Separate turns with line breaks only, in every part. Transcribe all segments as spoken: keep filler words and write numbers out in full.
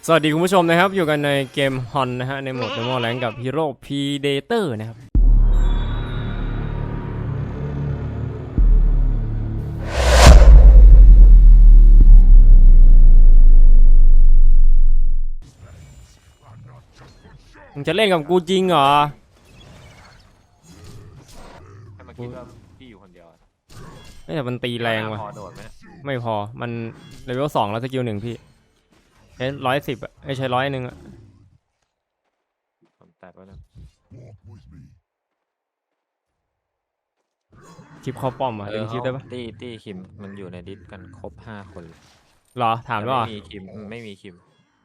สวัสดีคุณผู้ชมนะครับอยู่กันในเกมฮอนนะฮะในโหมด Normal Rank กับ Hero Predator นะครับมึงจะเล่นกับกูจริงเหรอ
ให้มาคิดว่าพี่อยู่คนเดียว
ไม่แต่มันตีแรงว่ะ
พอโดดไหม
ไม่พอมันเลเวลสองแล้วสกิลหนึ่งพี่ใช้ร้อยสิบอ่ะไม่ใช่ร้อยหนึ่งอ่ะ
ผมแตะไว้นะ
คลิปเข้าป้อมอ่ะดึงคลิปได้ปะ
ตี้ตี้คิมมันอยู่ในดิสกันครบห้าคน
หรอถามว่า
ไม่มีคิมไม่มีคิม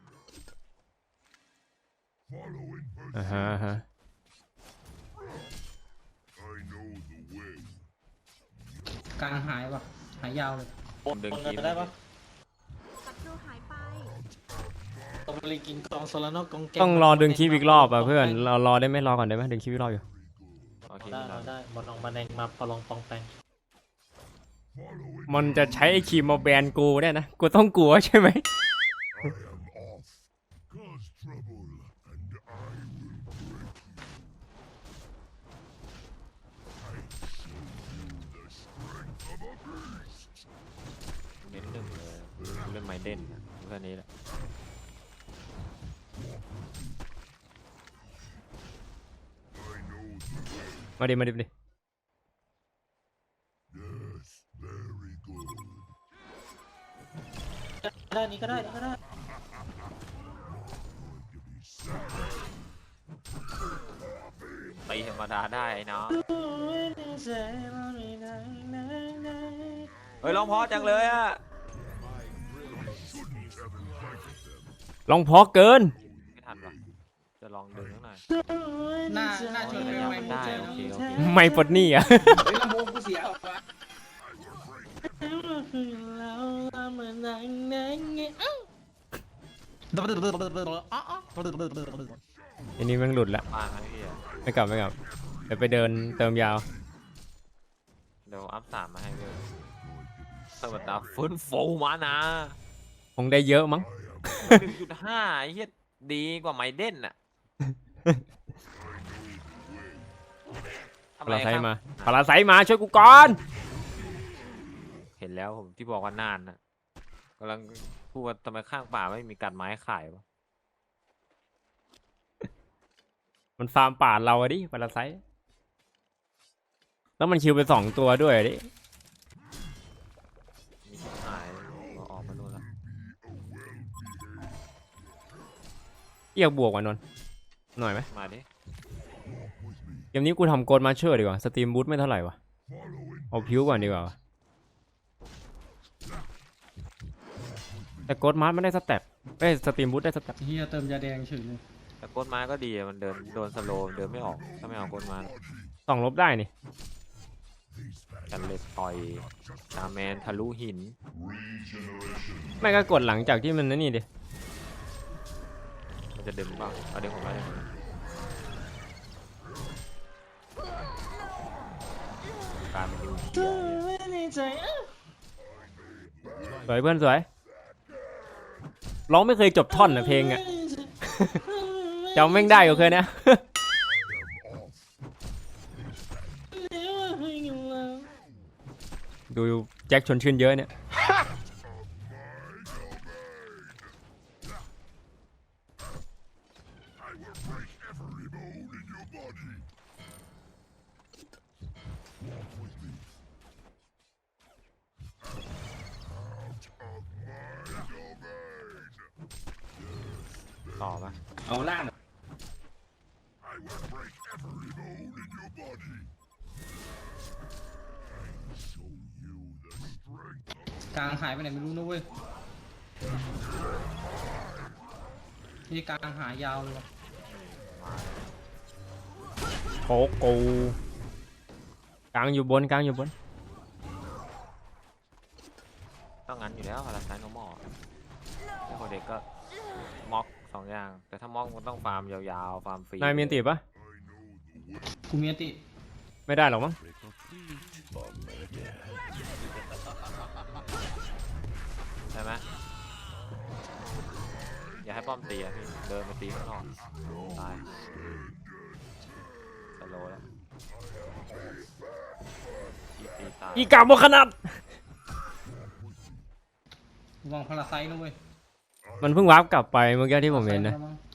อ่าฮะฮะ
กลางหายปะหายยาวเลย
ผมดึงคิม
ได้ปะ
ศัตรูหายไป
ต้องไปกินกองโซลาโนกองแก
ต้องรอดึงคลิปอีกรอบอ่ะเพื่อนรอรอได้ไหมรอก่อนได้ไหมดึงคลิปอีกรอบอยู่
โอเค
ได้เราได้บอลลองบันแดงมาพอลองปองแปง
มันจะใช้ไอ้ครีมมาแบนกูเนี่ยนะกูต้องกลัวใช่ไหม
เน้นหนึ่งเลยเล่นไมเดนเพื่อนนี้แหละ
มาดิมาดิมาดิ
ได้นี้ก็ได้นี้ก็ได้
ตีธรรมดาได้เนาะเฮ้ยร้องเพราะจังเลยอ่ะ
ลองพอเกิน
ไม่ทันว่ะจะลองดึงสักหน่อย
หน้าหน้า
โอ้
ที่
ย
ไม่
ยัง
ไม่
ไม่ได้โอเคโอเค
ไม่ปลดหนี้อ่ะ
ลำโพงกูเสียออกมา
อันนี้มันหลุดละ
มาครับพี่อะ
ไม่กลับไม่กลับเดี๋ยวไปเดินเติมยาว
เดี๋ยวอัพสามมาให้เลยสวัสดีฟื้นฟูมานะ
คงได้เยอะมั้ง
หนึ่งจุดห้าไอ้เหี้ยดีกว่าไมเดนอ่ะทำ
พา
ไร
ราไซ
ครับ
มาพาราไซมาช่วยกูก่อน
เห็นแล้วผมที่บอกว่านานนะกำลังพูดว่าทำไมข้างป่าไม่มีกัดไม้ขายวะ
มันฟาร์มป่าเราอะดิพาราไซแล้วมันคิวไปสองตัวด้วยอะดิ
มีชิบหายก็ออกมาโน่นละ
เรียกบวกว่ะนนท์หน่อยไหม
มาดิ
เกมนี้กูทำโกดมาเชอร์ดีกว่าสตรีมบูทไม่เท่าไหร่วะเอาพิวก่อนดีกว่าวะแต่โกดมาร์ไม่ได้สเต็ปเอ้ยสตรีมบูทได้สเต็ป
เฮียเติมยาแดงเฉยเลย
แต่ก้นไม้ก็ดีอะมันเดินโดนสโลว์เดินไม่ออกถ้าไม่เอาก้นไม้
สองลบได้นี่
กันเล็ดต่อยชาแมนทะลุหิน
ไม่ก็กดหลังจากที่มันนั่นนี่ดิ
มันจะดึงบ้างเอาดึงผมได้เลยการมันอยู่เหี้ย
สวยเพื่อนสวยร้องไม่เคยจบท่อนนะเพลงอะจำแม่งได้ก็เคยนะ ดูแจ็คชวนชื่นเยอะเนี่ย
ต่อปะ
เอาล่างกลางหายไปไหนไม่รู้นะเว้ยนี่กลางหายยาวเลยวะ
โคกูกลางอยู่บนกลางอยู่บน
ต้องงั้นอยู่แล้วพาราไซโนมอลแล้วคนเด็กก็ม็อกสองอย่างแต่ถ้าม็อกมันต้องฟาร์มยาวๆฟาร์มฟรี
นายมีอันติปะ
กูมีอติ
ไม่ได้หรอกมั้ง
ใช่ไหมอย่าให้ป้อมตีอะพี่เดินไปตีข้างนอกตายสโลว์แล้วตีตีตาย
อีกาบขนาด
ระวังพาราไซต์นะเว้ย
มันเพิ่งวาร์ปกลับไปเมื่อกี้ที่ผมเห็นนะ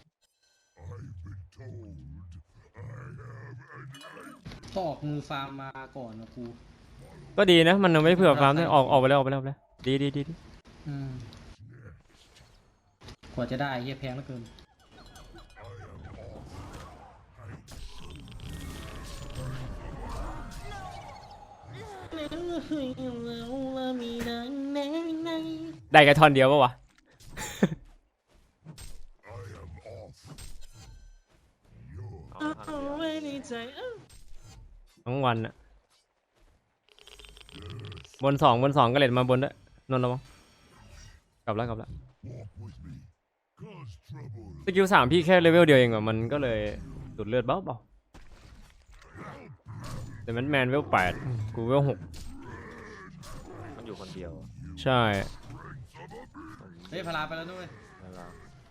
ต้องออกมือฟาร์มมาก่อนนะกู
ก็ดีนะมันไม่เผื่อฟาร์มด้วยออกออกไปแล้วออกไปแล้วออกไปแล้วดีดีดีดี
อืมกว่าจะได้เหี้ยแพงเหลือเกินมีนังในใน
ได้แค่ท่อนเดียวปะวะ
เอาทางเดียว
ไว้ในใจเอ้า
ทั้งวันอะบนสองบนสองก็เลดมาบนด้วยนนท์ระวังกลับแล้วกลับแล้วสกิลสามพี่แค่เลเวลเดียวเองอะมันก็เลยดูดเลือดเบาเบาแต่แมนแมนเวลแปดกูเวลหก
มันอยู่คนเดียว
ใช่
เฮ้ยพาราไปแล้วด้วย
แล้วเรา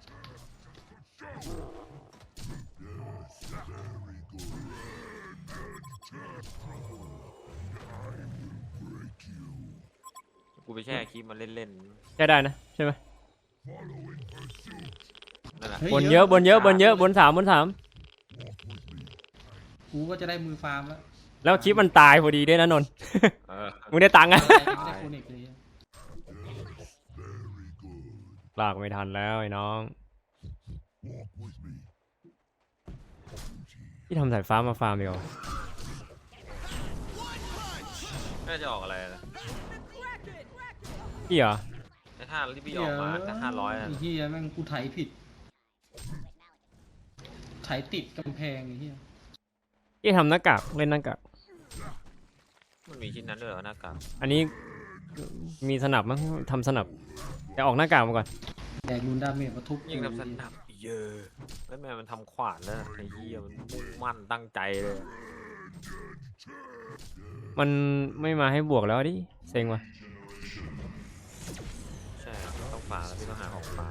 กูไปแช่คลิปมันเล่น
ใช่ได้นะใช่ไหม
ๆนั่นแหละ
ฮ้
บนเยอะบนเยอะบนเยอะบนสามบนสาม
กูก็จะได้มือฟาร์มแล้ว
แล้วคลิปมันตายพอดีด้วยนะนนท์
เออ
มึงได้ตังค์อะ
อะไรไม่ได้โคนิกเลย
ลากไม่ทันแล้วไอ้น้องที่ทำสายฟ้ามาฟาร์มเดียวา
น่าจะออกอะไรนะ
พี่เหรอ
ไอ้ท่าที่พี่ออกมาก็ห้าร้อยนะ
ไอ้เหี้ยแม่งกูไถผิดไถติดกำแพงไอ้เหี้ย
พี่ทำหน้ากากเล่นหน้ากาก
มันมีชิ้นนั้นด้วยเหรอหน้ากาก
อันนี้มีสนับมั้งทำสนับแต่ออกหน้ากากมาก่อน
แดกรุนดาเมจมาทุบ
ยิ่งทำสนับเยอะแล้วแม่มันทำขวานแล้วไอ้เหี้ยมันมุ่งมั่นตั้งใจเลย
มันไม่มาให้บวกแล้วดิเซ็งว่ะ
ใช่ต้องฝาแล้วพี่ต้องหาของฝา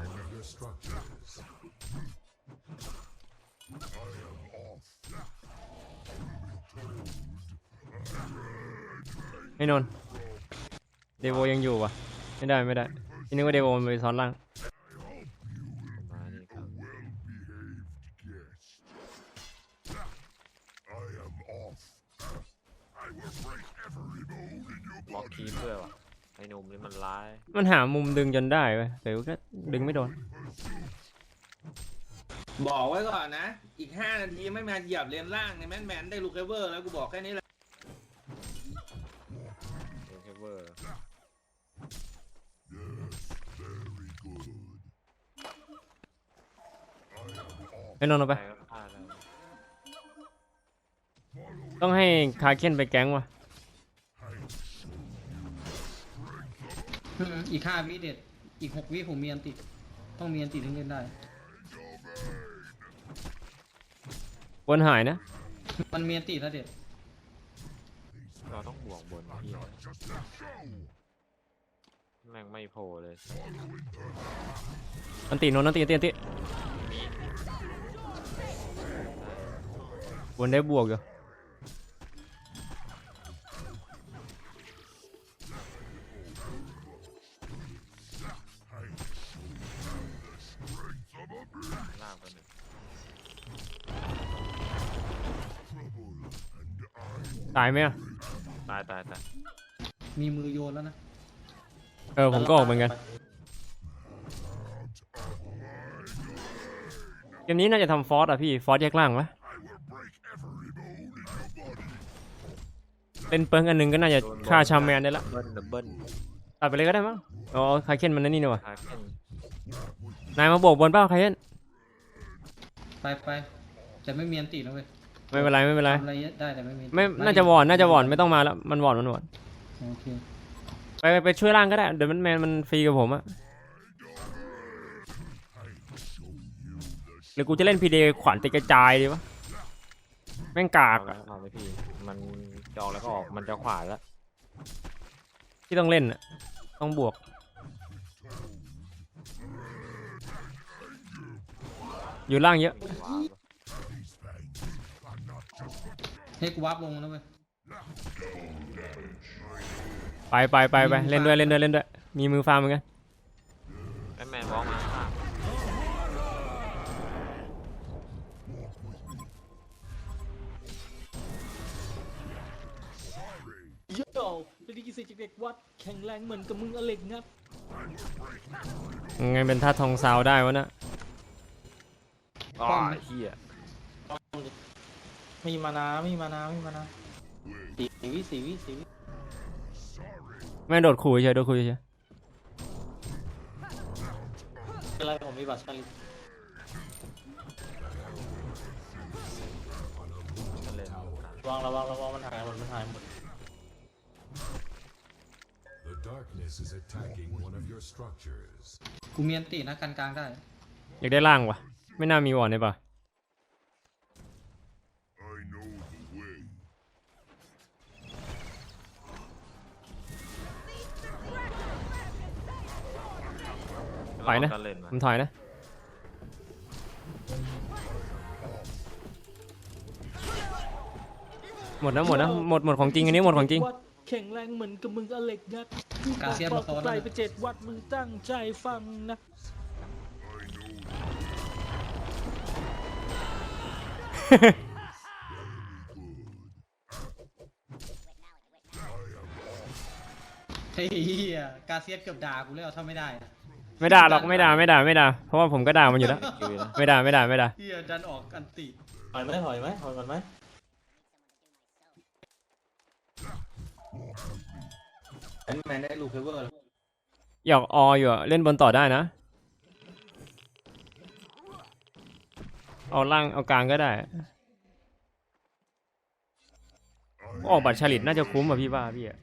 ไอ้นนท์เดโวยังอยู่วะไม่ได้ไม่ได้พี่นึกว่าเดโวมันไปซ้อนล่าง
มานี่ครับบล็อกคีเพื่อวะไอ้หนุ่มนี่มันร้าย
มันหามุมดึงจนได้เว้ยแต่ก็ดึงไม่โดน
บอกไว้ก่อนนะ อีกห้านาทีไม่มาเหยียบเลนล่างในแมนแมนได้ลูกเอเวอร์แล้วกูบอกแค่นี้แหละ
เอเวอร์
ไอ้นนท์เอาไป
ไปก็พลาดแล้ว
ต้องให้คาเคนไปแก๊งว่ะ
อืมอีกห้าวิเด็ดอีกหกวิผมมีอันติดต้องมีอันติดถึงเล่นได้
บนหายนะ
มันมีอันติดแล้วเด็ด
เราต้องบวกบนพี่แม่งไม่โผล่เลย
อันตีนนท์อันตีอันตีอันตีบนได้บวกอยู่
ลากไปหนึ่ง
ตายไหมอะ
ตายตายตาย
มีมือโยนแล้วนะ
เออผมก็ออกเหมือนกันเกมนี้น่าจะทำฟอสอ่ะพี่ฟอสแยกล่างวะเป็นเปิงอันหนึงก็น่าจะฆ่าชามแมนได้ละ
เบิ้ลดับเบิ้ล
ตัดไปเลยก็ได้มั้งอ๋อคาเคนมันนั่นนี่นี่วะ
คาเคน
นายมาโบกบนเป้าคาเคน
ไปไปแต่ไม่มีอันติดนะเว้ย
ไม่เป็นไรไม่เป็นไร
ทำอะไรได้แต่ไม่มี
ไม่น่าจะวอนน่าจะวอนไม่ต้องมาแล้วมันวอนมันวอน
โอเค
ไปไปไปช่วยล่างก็ได้เดี๋ยวมันแมนมันฟรีกับผมอะหรือกูจะเล่นพีเดขวานติดกระจายดีวะแม่งกา
เอา
ก
แล้วเอาเลยพี่มันจองแล้วก็ออกมันจะขวาแล้ว
ที่ต้องเล่นอะต้องบวกอยู่ล่างเยอะ
ว้าว
ให้กูวาร์ปลงนะเว้ย
ไปไปไปไปเล่นด้วยเล่นด้วยเล่นด้วยมีมือฟาร์มเหมือนกัน
แม่แมนบอกมาข้าง
โย่ไม่ได้ยินเสียงจากเด็กวัดแข็งแรงเหมือนกับมึงอเล็กงับ
ยังไงเป็นท่าทองซาวได้วะนะ
อ๋อเฮีย
ไม่มีมานาไม่มีมานาไม่มีมานาสี่วิสี่วิสี่วิ
ไม่โดดขู่เฉยโดดขู่เฉย
อะไรผมมีบัตรชาลิ
มันเลย
ระวังระวังระวังมันหายหมดมันหายหมด
The darkness is attacking one of your structures.
กูมีอันตินะกันกลางได้
อยากได้ล่างวะไม่น่ามีวอร์ดเลยป่ะ ถอยนะ
ก็เล่นมา
ผมถอยนะหมดนะหมดนะหมดหมดของจริงอันนี้หมดของจริง
วัดแข็งแรงเหมือนกับมึงอเล็กงับ
กาเซียน
บ
มา
อก
โต
ไป
แล้ว
ไปเจ็ดวัดมึงตั้งใจฟังนะ
เฮ้ยกาเซียสเกือบด่ากูแล้วถ้าไม่ได้อะ
ไม่ด่าหรอกไม่ด่าไม่ด่าไม่ด่าเพราะว่าผมก็ด่ามันอยู่แล้ว
คิวนะ
ไม่ด่าไม่ด่าไม่ด่า
เฮียดันออกอันติ
ถอยไหมถอยไหมถอยก่อนไหม
แอนแมนได้ลูกเคเวอร์แล้ว
อยากอออยู่อะเล่นบนต่อได้นะเอาล่างเอากลางก็ได้ออกบัตรฉลิตน่าจะคุ้มอ่ะพี่ว่าพี่อะ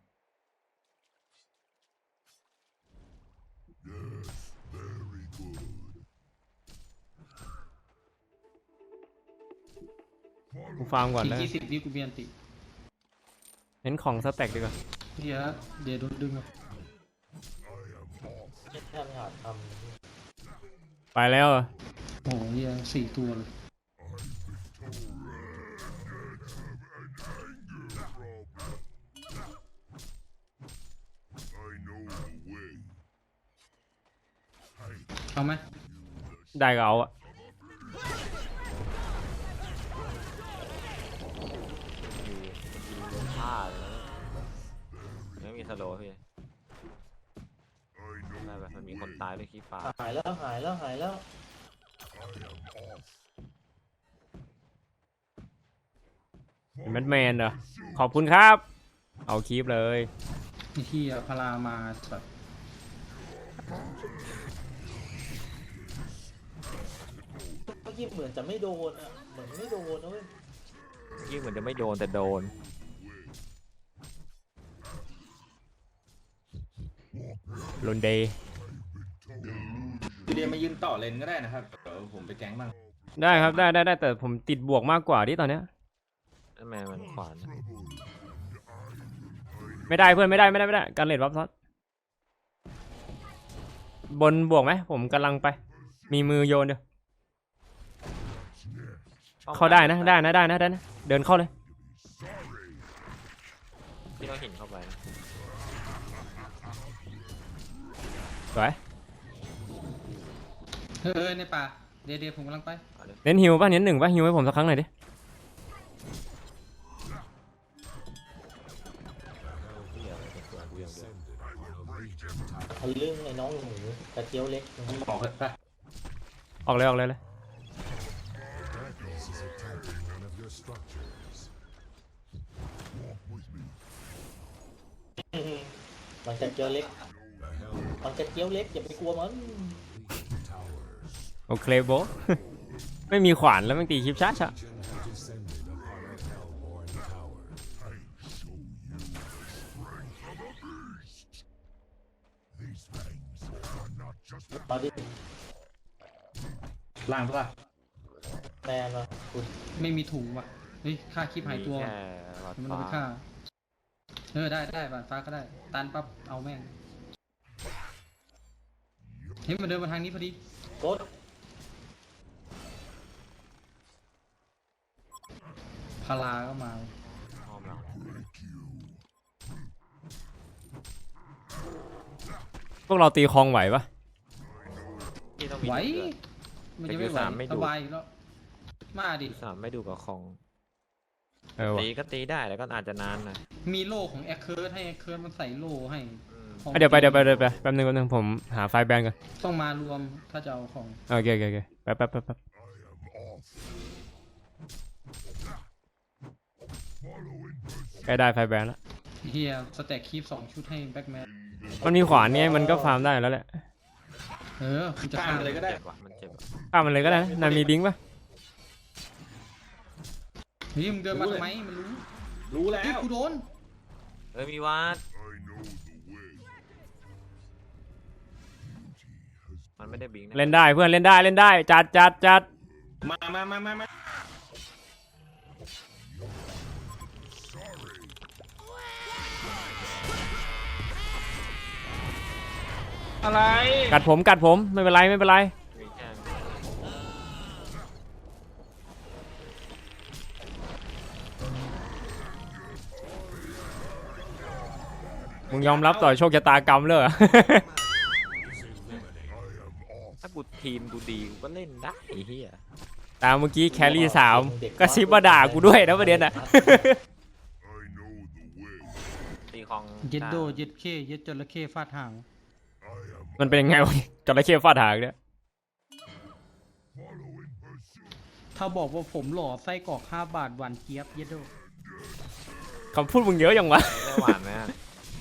กูฟาร์มก่อน
อีก
แล้ว
ยี่สิบวิกูมีอันติ
เน้นของสแต็กดีกว่า
เฮียเดี๋ยวโดนดึงอะ
แค่ไม่หาท
ไปแล้วอะ
โอ้โหเฮียสี่ตัวเลย เอาไหม
ได้ก็เอาอะ
อยู่ยิงโดนฆ่าเลยนะไม่มีสโลว์พี่ไม่แบบมันมีคนตายด้วยขี้ฟ้า
ำหายแล้วหายแล้วหายแล้ว
แมนแมนเหรอขอบคุณครับ เอาคลิปเลย
ไอ้เฮียพารามาแบบ
เมื่อกี้เหมือนจะไม่โดนอ่ะเหมือนไม่โดนนะเว้ย
ยิ่งเหมือนจะไม่โดนแต่โดน
ลนเดย์
เรียนมายืนต่อเลนก็ได้นะครับเดี๋ยวผมไปแก๊งบ้าง
ได้ครับได้ได้ได้แต่ผมติดบวกมากกว่าที่ตอนเนี้ย
แม่แมนมันขวานนะ
ไม่ได้เพื่อนไม่ได้ไม่ได้ไม่ได้การเลดวับซัดบนบวกไหมผมกำลังไป มีมือโยนเดียวเข้าได้นะได้นะได้นะได้นะเดินเข้าเลย
พี่ต้องหินเข้าไปนะ
สวย
เฮ้ยในป่าเดี๋ยวเดี๋ยวผมกำลังไป
เอาดิ
เน้นฮิวป่ะเน้นหนึ่งป่ะฮิวให้ผมสักครั้งหน่อยดิ
เหี้ยอะไรเป็นตัวกูอย่างเดียว
ทะลึ่งไอ้น้องหมูกระเจียวเล็ก
ผมบอกเลยปะ
ออกเลยออกเลยเลย
Darkness is attacking one of your structures.
มันกระเจียวเล็ก
The hell
มันกระเจียวเล็กอย่าไปกลัวมัน
towers
โอเคโบ ไม่มีขวานแล้วมันตีคลิปช้าช้า
have descended upon a hellborn tower.
มาดิ
ล่างปะล่ะ
แมนมาคุณ
ไม่มีถุงว่ะเฮ้ยค่าคลิปหายตัว
มีแค่หลอด
มัน
ฟ้า
เอาไปฆ่าเออได้ได้บาดฟ้าก็ได้ตันปั๊บเอาแม่งเฮ้ยมันเดินมาทางนี้พอดี
กด
าราก็มา
พร้อมแล้ว
พวกเราตีคลองไหวปะ
พี่ต้องมี
ไหว
เดือด
มันจะไม่ไหว
แต่คิวสามไม่ดู
สบายอยู่แล้วมาดิ
สามไม่ดูกับของ
เออวะ
ตีก็ตีได้แต่ก็อาจจะนานหน่อย
มีโล่ของแอคเคิร์ดให้แอคเคิร์ดมันใส่โล่ให้
อืม
ของ
อ่ะเดี๋ยวไปเดี๋ยวไปเดี๋ยวไปแป๊บนึงแป๊บนึงผมหาไฟล์แบนก่อน
ต้องมารวมถ้าจะเอาของ
โอเคโอเคโอเคแป๊บแป๊บแป๊บแป๊บ
I am off.
ใกล้ได้ไฟล์แบนแล้ว
เฮียสแต็กคีฟสองชุดให้แบ็กแมน
มันมีขวานเนี่ยมันก็ฟาร์มได้แล้วแหละ
เออคุณจะ
ข้าม
ฆ่า
ไปเลยก็ได้
เจ็บว่ะมันเจ็บว่ะ
ข้ามมันเลยก็ได้นะนายมีบิงค์ปะ
เฮ้ยมึงเดินมาทำไมมันรู้
รู้แล้
เฮ้ยว กูโดน
เอ้ยมีวาด
I know the way.
มันไม่ได้บิงนะ
เล่นได้เพื่อนเล่นได้เล่นได้จัดจัดจัด
มามามามามาอะไร
กัดผมกัดผมไม่เป็นไรไม่เป็นไร
มีแค่
มึงยอมรับต่อโชคชะตากรรมเลยเหรอ
ถ้ากูทีมกูดีกูก็เล่นได้ไอ้เหี้ย
ตามเมื่อกี้แครี่สามก็ซิบมาด่ากูด้วยนะประเด็นอ่ะ
I know the way.
ตีของ
เย็ดโดเย็ดเข้เย็ดจระเข้ฟาดหาง
I am
มันเป็นยังไงวะจระเข้ฟาดหางเนี่ย
following pursuit.
ถ้าบอกว่าผมหล่อไส้กรอกห้าบาทหวานเจี๊ยบเย็ดโด
คำพูดมึงเยอะยังวะ
ได้หวานไหมอะ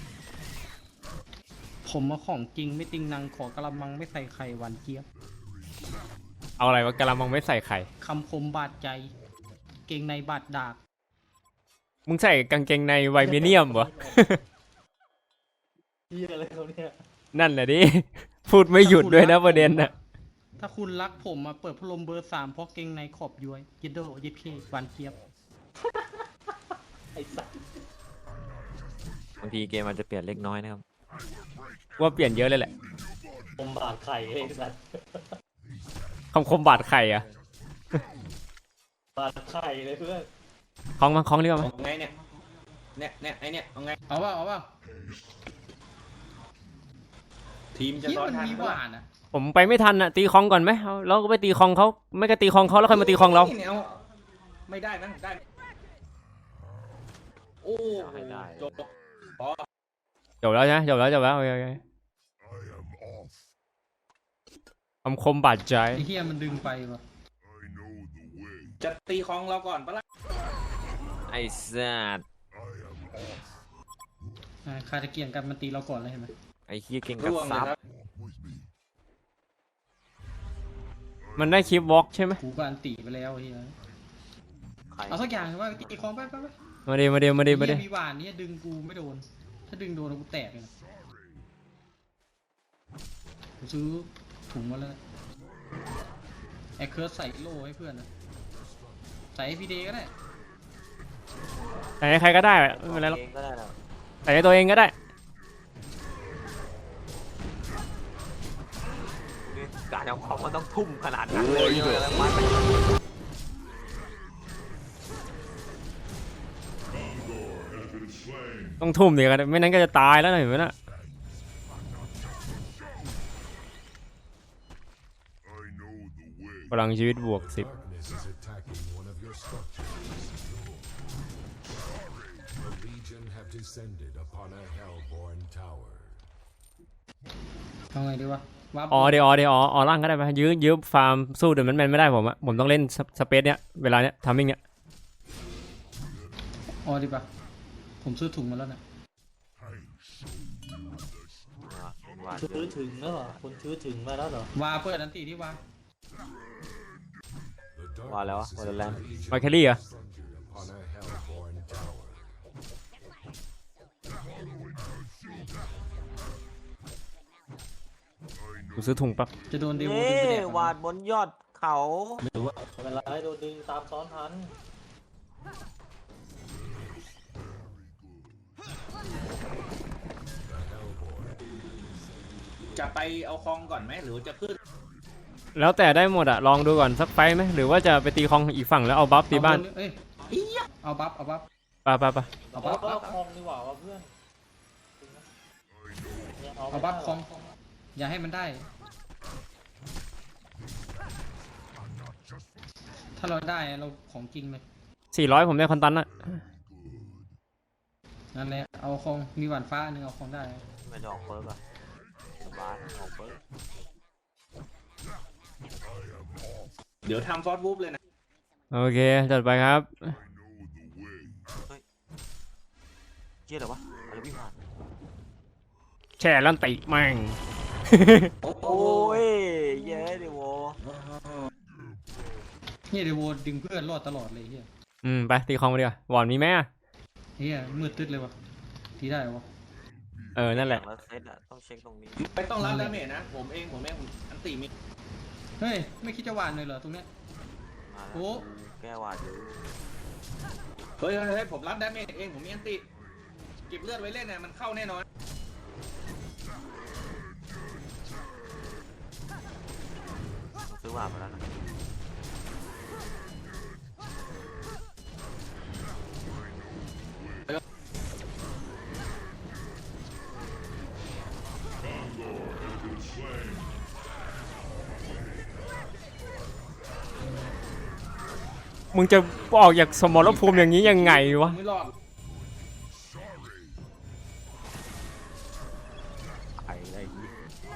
ผมมาของจริงไม่ติงนังขอกระมังไม่ใส่ไข่หวานเจี๊ยบ
เอาอะไรวะกะละมังไม่ใส่ไข่
คำคมบาดใจ เกงในบาดดาก
มึงใส่กางเกงในไวเมเนียมวะ
เฮียอะไรเขาเนี่ย
นั่นแหละดิ พูดไม่หยุดด้วยนะประเด็นน่ะ
ถ้าคุณรักผมมาเปิดพัดลมเบอร์สามเพราะเกงในขอบย้วยเย็ดโดเย็ดเข้หวานเจี๊ยบ
ไอ้สัส
บางทีเกมมันจะเปลี่ยนเล็กน้อยนะครับ
ว่าเปลี่ยนเยอะเลยแหละ
ผมบาดไข่ไอ้สัส
คำคมบาดไข่อะ
บาดไข่เลยเพื่อน
คล้องมาคล้องเรียกมา
เอาไงเนี่ยเนี่ยเนี่ยไอเนี่ยเอาไง
เอาว่าเอาว่า
ทีมจะ
คิด
ซ้อน
มัน
ทัน
มี
ปะ
ห
ล่ะ
วานอ่ะ
ผมไปไม่ทันอะตีคลองก่อนไหมเอาเราก็ไปตีคลองเขาไม่ก็ตีคลองเขาแล้วค่อยมาตีคลองเรา
นี่นี่ยไม่ได้มั้งได้ โอ้โหจบพอ
จบแล้วใช่ไหมจบแล้วจบแล้วโอเคโอเค
I am off.
คำคมบาดใจ
ไอ้เฮียมันดึงไปวะ
I know the way.
จะตีของเราก่อนปะล่ะ
ไอ้สัตว์
I am off.
อ่าคาตะเกียงกันมันตีเราก่อนเลยเห็นไหม
ไอ้เหี้ยเก่งกับ
ร่วงเลย
ซับ
ครับ
Walk with me.
มันได้คลิปวอล์กใช่ไหม
กูก็อันตีไปแล้วไอ้เฮีย
ใคร
เอาสักอย่างว่าตีคลองไปไปไป
มาดีมาดีมาดีมาดี
เหี้ยมีหวานเนี่ยดึงกูไม่โดน ถ้าดึงโดนกูแตกเลยนะกูซื้อถุงมาแล้วแอคเคิร์สใส่โล่ให้เพื่อนนะใส่ให้พีเดก็ได้
ใส่ให้ใครก็ได้ไม่เป็นไรหรอก
เองก็ได้แล้ว
ใส่ให้ตัวเองก็ได้
การเอาของมันต้องทุ่มขนาดนั้นเลยเยอะแล้วมัน
ต้องทุ่มดีกันไม่นั้นก็จะตายแล้วนะเห็นไหมน่ะ
I know the way.
พลังชีวิตบวกสิบ
Darkness is attacking one of your structures. The Legion have descended upon a Hellborn tower.
เอาไงดีวะวับ
อ๋อเดี๋ยวอ๋อเดี๋ยวอ๋ออ๋อร่างก็ได้ไหมยื้อยื้อฟาร์มสู้เดี๋ยวมันแมนไม่ได้ผมอะผมต้องเล่นสสเปซเนี้ยเวลาเนี้ยทามมิ่งเนี้ย
อ๋อดีป่ะผมซื้อถุงมาแล้วนะ
หวาน
ชื้อถึงแล้วเหรอคุณชื้อถึงมาแล้วเหรอ
วาเปิดอันตีที่วา
The
ว่าแล้ว
darkness
วอ
is
ลเลน
มาแครี่เหรอ
centered upon a Hellborn tower.
กูซื้อถุงปั๊บ
จะโดนเดโว
เย้
ดึงไปแดก
วาดบนยอดเขา
ไม่เป็นไรโดนดึงตามซ้อนทัน
จะไปเอาคลองก่อนไหมหรือจะขึ้น
แล้วแต่ได้หมดอะลองดูก่อนสักไฟต์ไหมหรือว่าจะไปตีคลองอีกฝั่งแล้วเอาบัฟตีบ้าน
เอ้ย
อียะ
เอาบัฟเอาบัฟ
ไปไปไป
เอา
เอา
บัฟ
เอาคอมดีกว่าว่าเพื่อนเนี่ย
เอา
ไม่
บัฟ
ได้
คอมอย่าให้มันได้ ถ้าเราได้เราของจริงเลย
สี่ร้อยผมได้คอนตันอะ
นั่นแหละเอาของมีหวานฟ้าหนึ่งเอาของได้
ไม่จะออกเปิร์กอะสบายออกเปิร์ก
เดี๋ยวทำฟอสวูฟเลยนะ
โอเคจัดไปครับ
เจี๊ยเหรอวะอะไรวิ่งผ่าน
แช่ลันติแม่ง
โอ้ยเย้ดิโว
เฮียเดยวโวดึงเพื่อนรอดตลอดเลยเฮีย
อืมไปตีคองมาดีกว่าวอนมีไหมอะ
เฮียมืดตึ๊ดเลยวะทีได้วะ
เออนั่นแหละ
แล้วเซตอะต้องเช็คตรงนี้
ไม่ต้องรับดาเมจนะ ผมเองผมเองผมอันตีมี
เฮ้ยไม่คิดจะหวานเลยเหรอตรงเนี้ย
มา
โอ้
แล้วแก้วาดอยู่
เฮ้ยเฮ้ยเฮ้ยผมรับดาเมจเองผมมีอันตีเก็บเลือดไว้เล่นนะมันเข้าแน่นอน
ผมซื้อวาดมาแล้วนะ
มึงจะออกจากสมรภูมิอย่างนี้ยังไงวะ
ไม่รอด
ไอ้ไอ้ยี่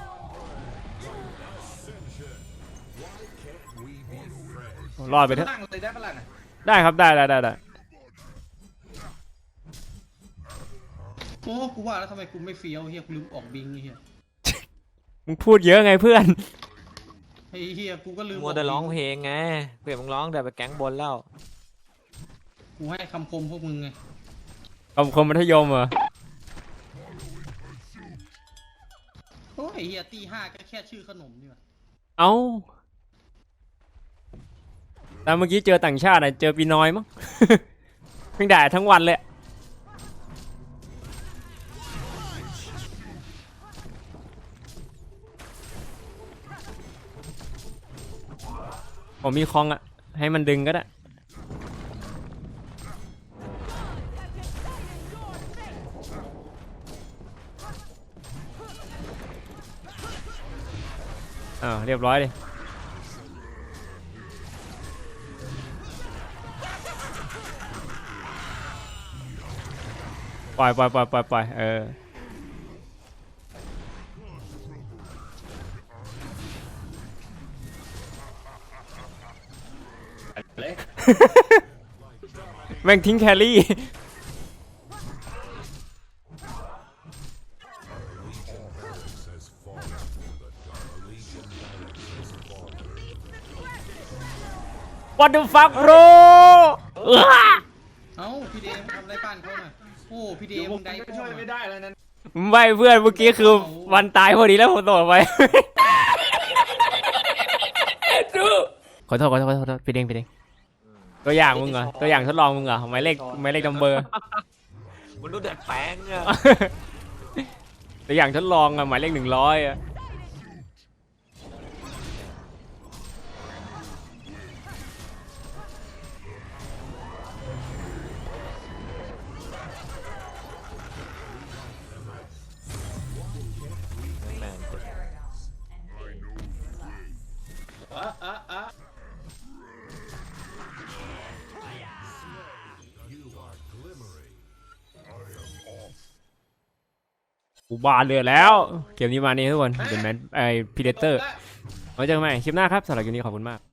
รอดไปเถอะ
ตั้งเลยได้ปะล่ะน่ะ
ได้ครับได้ได้ได้ได้
โอ้กูว่าแล้วทำไมกูไม่เฟี้ยวเฮียกูลืมออกบิงไอ้เฮีย
มึงพูดเยอะไงเพื่อน
ไอ้เฮียกูก็ลืม
มัวแต่ร้องเพลงไงเพื่อนมึงร้องแต่ไปแก๊งบนแล้ว
กูให้คำคมพวกมึงไง
คำคมมัธยมเหรอ
โอ้ยไอ้เฮียตีห้าก็แค่ชื่อขนมนี่วะ
เอ้าแต่เมื่อกี้เจอต่างชาติอะเจอปีน้อยมั้ง เพิ่งด่าทั้งวันเลย ผมมีคองอะให้มันดึงก็ได้ อ่าวเรียบร้อยเลยปล่อยปล่อยปล่อยปล่อยปล่อยเออ
เลย
แม่งทิ้งแครี่ What the fuck bro เอ้อ
เอ้าพี่เดมทำอะไรบ้านเขาหน่อยโอ้พี่เด
เดี๋ยว
ม
ผม
ได้
ก็ช่วยไม่ได้แล้วนั้น
ไม่เพื่อนเมื่อกี้คือวันตายพอดีแล้วผมตกไป ขอโทษขอโทษขอโทษขอโทษพี่เด้งพี่เด้งตัวอย่างมึงเหรอตัวอย่างทดลองมึงเหรอหมายเลขหมายเลขนัมเบอร์
มันดูเด็ดแปลงอะ
ตัวอย่างทดลองอะหมายเลขหนึ่งร้อยอะ
แม่งเจ็บ
อ่ะอ่ะอ่ะ
กูบานเรือแล้วเกมนี้มานี่ทุกคนเป็นแมนไอพีเดเตอร์ไว้เจอกันใหม่คลิปหน้าครับสำหรับคลิปนี้ขอบคุณมาก